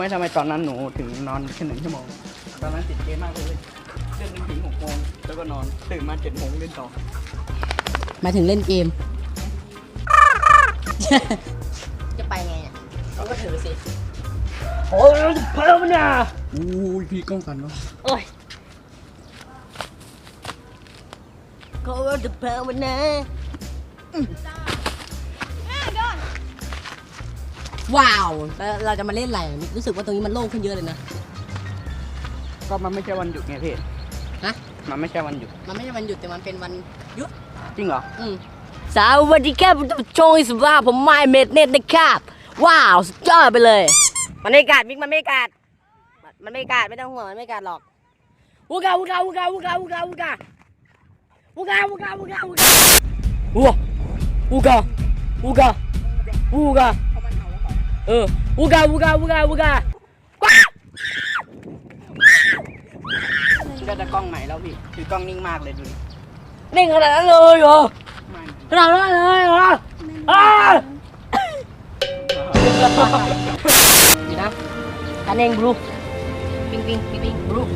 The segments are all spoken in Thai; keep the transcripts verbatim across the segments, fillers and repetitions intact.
ไม่ทำไมตอนนั้นหนูถึงนอนแค่หนึ่งชั่วโมงตอนนั้นติดเกมมากเลยเล่นถึงหกโมงแล้วก็นอนตื่นมาเจ็ดโมงเล่นต่อมาถึงเล่นเกมจะไปไงเนี่ยเขาก็ถือสิโอ้ยเพิ่มเนี่ยอู้ยพี่กล้องกันวะโอ้ยเขาจะเพิ่มมันนะว้าวแล้วเราจะมาเล่นอะไรรู้สึกว่าตรงนี้มันโล่งขึ้นเยอะเลยนะก็มันไม่ใช่วันหยุดไงพี่ฮะมันไม่ใช่วันหยุดมันไม่ใช่วันหยุดแต่มันเป็นวันหยุดจริงเหรออืมสวัสดีครับโชว์อิสระผมไมเมดเน็ตนะครับว้าวสุดยอดไปเลยมันไม่กัดมิกมันไม่กัดมันไม่กัดไม่ต้องห่วงมันไม่กัดหรอกวูกาวูกาวูกาวูกาวูกาวูกาวูกาวูกาวูกาวูกาวูวูกาวูกาวูกาเออวูกาวูกาวูกาวูกาก็จะกล้องใหม่แล้วพี่คือกล้องนิ่งมากเลยดูนิ่งขนาดนั้นเลยเหรอขนาดนั้นเลยเหรอดีนะกันเองบลูปิงปิงปิงปิงบลู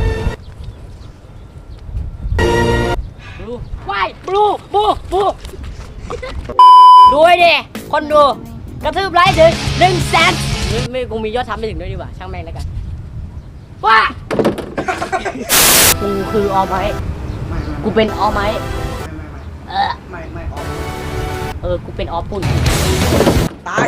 บลูว้ายบลูบลูบลูดูไอ้ดิคนดูกระทืบไลค์ถึงหนึ่งแสนไม่ไม่คงมียอดทำไปถึงด้วยดีกว่าช่างแม่งแล้วกันว้ากูคือออไม้กูเป็นออไม้เออไม่ไม่ออกเออกูเป็นออปุ่นตาย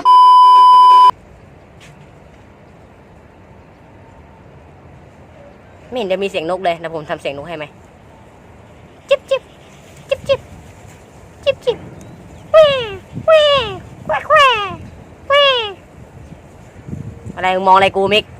ไม่เห็นจะมีเสียงนกเลยนะผมทำเสียงนกให้ไหมจิ๊บจิ๊บจิ๊บจิ๊บจิ๊บจิ๊บแหว่แหว่แหว่แหว่แหว่อะไรมองอะไรกูมิก